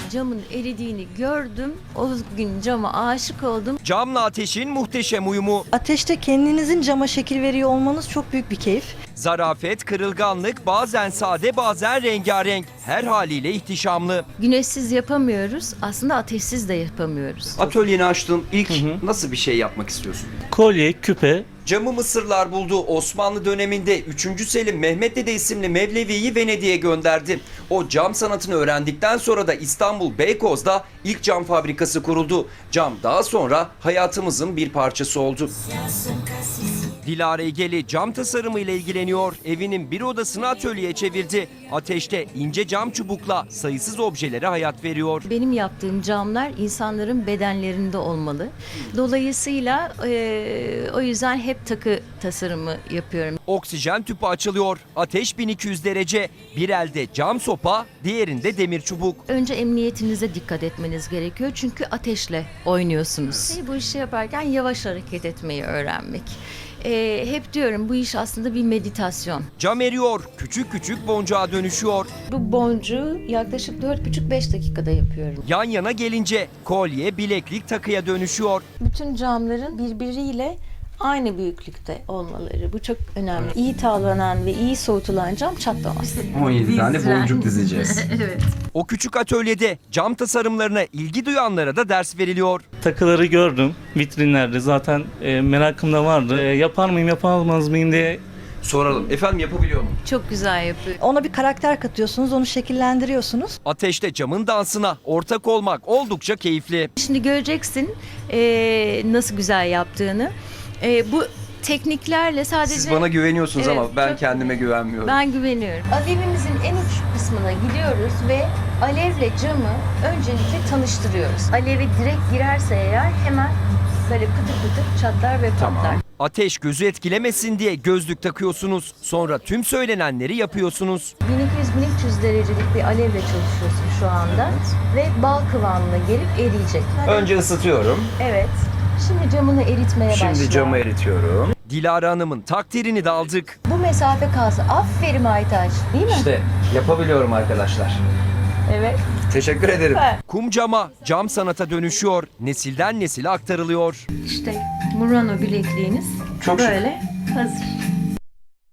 Camın eridiğini gördüm. O gün cama aşık oldum. Camla ateşin muhteşem uyumu. Ateşte kendinizin cama şekil veriyor olmanız çok büyük bir keyif. Zarafet, kırılganlık, bazen sade bazen rengarenk. Her haliyle ihtişamlı. Güneşsiz yapamıyoruz. Aslında ateşsiz de yapamıyoruz. Atölyeni açtın. İlk nasıl bir şey yapmak istiyorsun? Kolye, küpe. Camı Mısırlar buldu. Osmanlı döneminde 3. Selim Mehmet Dede isimli Mevlevi'yi Venedik'e gönderdi. O cam sanatını öğrendikten sonra da İstanbul Beykoz'da ilk cam fabrikası kuruldu. Cam daha sonra hayatımızın bir parçası oldu. Dilara Egeli cam tasarımı ile ilgileniyor. Evinin bir odasını atölyeye çevirdi. Ateşte ince cam çubukla sayısız objelere hayat veriyor. Benim yaptığım camlar insanların bedenlerinde olmalı. Dolayısıyla o yüzden hep takı tasarımı yapıyorum. Oksijen tüpü açılıyor. Ateş 1200 derece. Bir elde cam sopa, diğerinde demir çubuk. Önce emniyetinize dikkat etmeniz gerekiyor. Çünkü ateşle oynuyorsunuz. Bu işi yaparken yavaş hareket etmeyi öğrenmek. Hep diyorum bu iş aslında bir meditasyon. Cam eriyor, küçük küçük boncuğa dönüşüyor. Bu boncuğu yaklaşık 4,5-5 dakikada yapıyorum. Yan yana gelince kolye, bileklik, takıya dönüşüyor. Bütün camların birbiriyle aynı büyüklükte olmaları. Bu çok önemli. İyi tavlanan ve iyi soğutulan cam çatlamaz. 17 tane boncuk dizeceğiz. Evet. O küçük atölyede cam tasarımlarına ilgi duyanlara da ders veriliyor. Takıları gördüm vitrinlerde. Zaten merakım da vardı. Yapar mıyım, yapamaz mıyım diye. Soralım. Efendim yapabiliyor mu? Çok güzel yapıyor. Ona bir karakter katıyorsunuz, onu şekillendiriyorsunuz. Ateşte camın dansına ortak olmak oldukça keyifli. Şimdi göreceksin nasıl güzel yaptığını. Bu tekniklerle sadece... Siz bana güveniyorsunuz Evet, ama ben çok- kendime güvenmiyorum. Ben güveniyorum. Alevimizin en uç kısmına gidiyoruz ve alevle camı öncelikle tanıştırıyoruz. Alevi direkt girerse eğer hemen böyle pıtır pıtır çatlar ve patlar. Ateş gözü etkilemesin diye gözlük takıyorsunuz. Sonra tüm söylenenleri yapıyorsunuz. 1200-1300 derecelik bir alevle çalışıyorsun şu anda ve bal kıvamına gelip eriyecek. Önce ısıtıyorum. Evet. Şimdi camını eritmeye başla. eritiyorum. Dilara Hanım'ın takdirini de aldık. Bu mesafe kalsa aferin Aytaç, değil mi? İşte yapabiliyorum arkadaşlar. Evet. Teşekkür ederim. Evet. Kum cama, cam sanata dönüşüyor. Nesilden nesile aktarılıyor. İşte Murano bilekliğiniz Çok şık. böyle hazır.